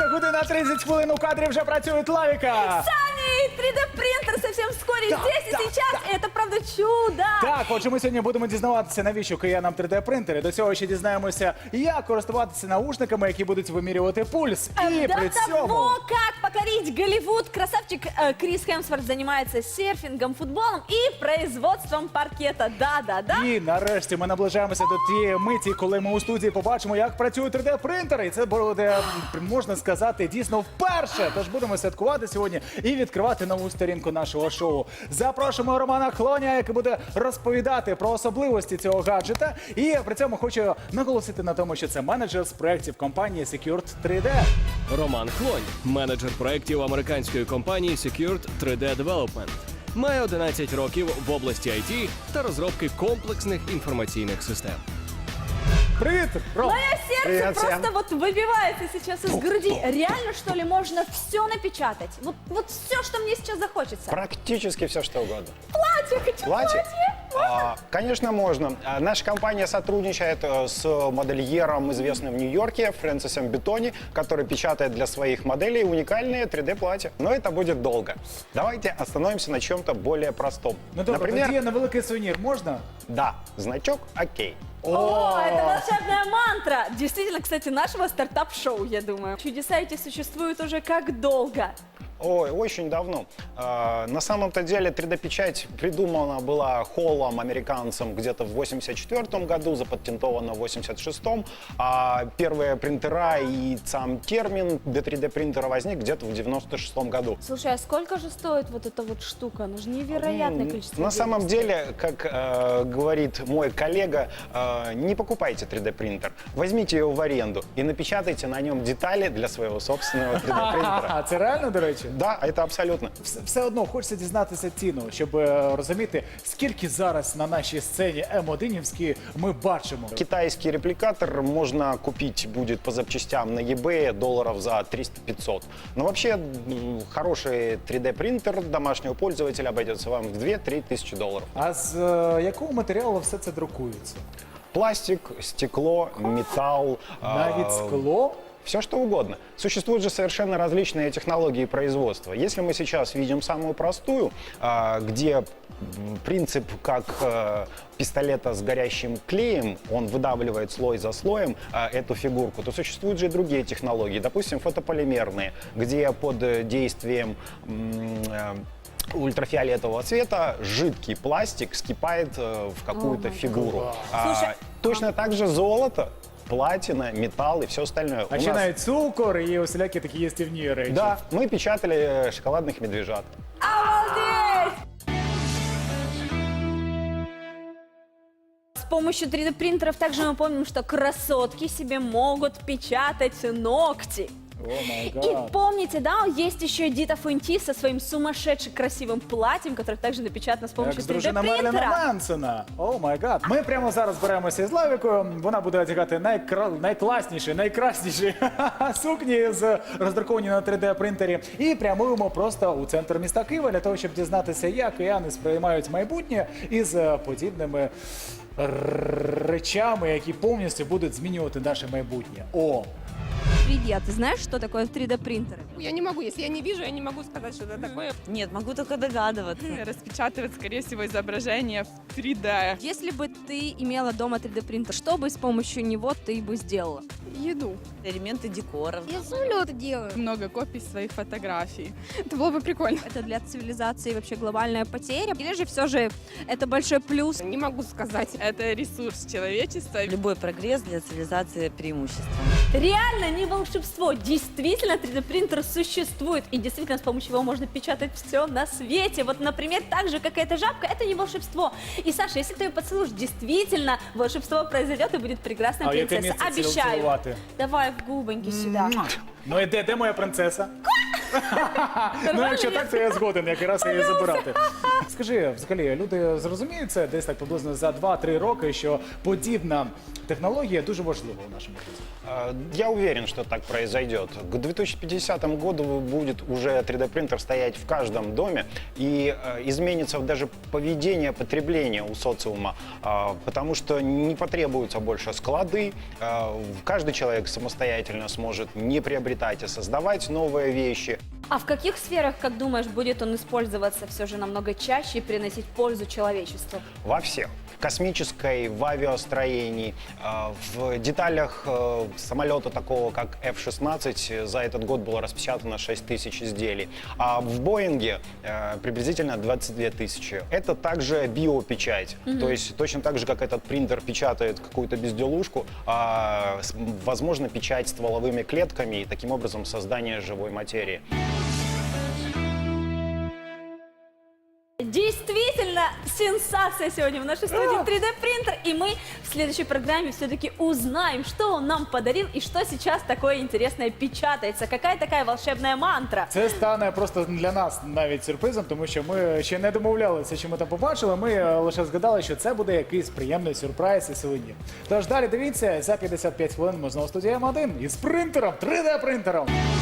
година 30 хвилин у кадрі вже працює Лавіка. Сани, 3D-принтер совсем вскоре здесь и сейчас. И это правда чудо. Так, отже, ми сьогодні будемо дізнаватися, навіщо киянам 3D-принтери. До цього ще дізнаємося, як користуватися наушниками, які будуть вимірювати пульс. І До при цьому... того, как покорить Голливуд, красавчик Крис Хемсворт занимается серфингом, футболом и производством паркета. Да-да-да. І нарешті ми наближаємося до тієї миті, коли ми у студії побачимо, як працюють 3D-принтери. І це буде, можна сказати, дійсно вперше. Тож будемо святкувати сьогодні і відкривати нову сторінку нашого шоу. Запрошуємо Романа Хлоня, який буде розповідати про особливості цього гаджета. І при цьому хочу наголосити на тому, що це менеджер з проєктів компанії Secured 3D. Роман Хлонь, менеджер проєктів американської компанії Secured 3D Development. Має 11 років в області IT та розробки комплексних інформаційних систем. Привіт, Ром! Мое сердце Привет просто всем. вот выбивается сейчас из груди. Реально, что ли, можно все напечатать? Вот все, что мне сейчас захочется. Практически все, что угодно. Платье, хочу платье. Конечно, можно. Наша компания сотрудничает с модельером, известным в Нью-Йорке, Фрэнсисом Бетони, который печатает для своих моделей уникальные 3D-платья. Но это будет долго. Давайте остановимся на чем-то более простом. Ну добре, Например, тоді на великий сувенір можна? да, значок «Окей». О, это волшебная мантра. Действительно, кстати, нашего стартап-шоу, я думаю. Чудеса эти существуют уже как долго? Ой, очень давно. На самом-то деле 3D-печать придумана была Холлом, американцем, где-то в 84 году, запатентована в 86-м. А первые принтера и сам термин для 3D-принтера возник где-то в 96 году. Слушай, а сколько же стоит вот эта вот штука? Ну же невероятное количество На денег самом стоит. деле, как говорит мой коллега, не покупайте 3D-принтер. Возьмите его в аренду и напечатайте на нем детали для своего собственного 3D-принтера. А це реально, до речі? Да, это абсолютно. Все одно хочеться дізнатися ціну, щоб розуміти, скільки зараз на нашій сцені М1-івській ми бачимо. Китайский репликатор можно купить будет по запчастям на eBay долларов за 300-500. Но вообще хороший 3D-принтер домашнего пользователя обойдется вам в 2-3 тысячи долларов. А з якого матеріалу все це друкується? Пластик, стекло, металл. Навіть скло? Все что угодно. Существуют же совершенно различные технологии производства. Если мы сейчас видим самую простую, где принцип как пистолета с горящим клеем, он выдавливает слой за слоем эту фигурку, то существуют же и другие технологии, допустим, фотополимерные, где под действием ультрафиолетового цвета жидкий пластик скипает в какую-то фигуру. Слушай, Точно так же золото, платина, металл и все остальное. А ще навіть цукор і усілякі такі їстівні речі. Да, мы печатали шоколадных медвежат. Обалдеть! С помощью 3D-принтеров также мы помним, что красотки себе могут печатать ногти. О май И гад. помните, да, есть еще Эдита Фунти со своим сумасшедшим красивым платьем, которое также напечатано с Як помощью з дружина Мерліна 3D-принтера. Мансона. О май гад. Ми прямо зараз беремося із Лавікою. Вона буде одягати найкласніші, найкрасніші сукні з роздруковані на 3D-принтері. І прямуємо просто у центр міста Києва для того, щоб дізнатися, як кияни сприймають майбутнє із подібними речами, які повністю будуть змінювати наше майбутнє. О! Привет, ты знаешь, что такое 3D-принтеры? Я не могу, если я не вижу, я не могу сказать, что это такое. Нет, могу только догадываться. Распечатывать, скорее всего, изображение в 3D. Если бы ты имела дома 3D-принтер, что бы с помощью него ты бы сделала? Еду. Элементы декора. Я самолеты делаю. Много копий своих фотографий. Это было бы прикольно. Это для цивилизации вообще глобальная потеря? Или же все же это большой плюс? Не могу сказать. Это ресурс человечества. Любой прогресс для цивилизации преимущество. Реально не волшебство. Действительно 3D-принтер существует. И действительно с помощью его можно печатать все на свете. Вот, например, так же, как эта жабка, это не волшебство. И, Саша, если ты ее поцелуешь, действительно волшебство произойдет и будет прекрасная А яке принцесса. місце Обещаю. цілувати? Давай в губоньки сюда. Ну і де моя принцеса? Ну, якщо так, то я згоден, якраз її забирати. Скажи, взагалі, люди зрозуміють це десь так приблизно за 2-3 роки, що подібна технологія дуже важлива у нашому житті? Я уверен, что так произойдет. К 2050 году будет уже 3D-принтер стоять в каждом доме, и изменится даже поведение потребления у социума, потому что не потребуются больше склады, каждый человек самостоятельно сможет не приобретать, а создавать новые вещи. А в каких сферах, как думаешь, будет он использоваться все же намного чаще и приносить пользу человечеству? Во всех. В космической, в авиастроении, в деталях самолета такого, как F-16, за этот год было распечатано 6 тысяч изделий, а в Боинге приблизительно 22 тысячи. Это также биопечать, то есть точно так же, как этот принтер печатает какую-то безделушку, возможно печать стволовыми клетками и таким образом создание живой материи. Действительно, сенсация сегодня в нашей студии 3D-принтер. И мы в следующей программе все-таки узнаем, что он нам подарил и что сейчас такое интересное печатается. Какая такая волшебная мантра. Це стане просто для нас навіть сюрпризом, тому що ми ще не домовлялися, що ми там побачили. Ми лише згадали, що це буде якийсь приємний сюрприз і сьогодні. Тож далі дивіться, за 55 хвилин ми знову в студії М1 із принтером, 3D-принтером.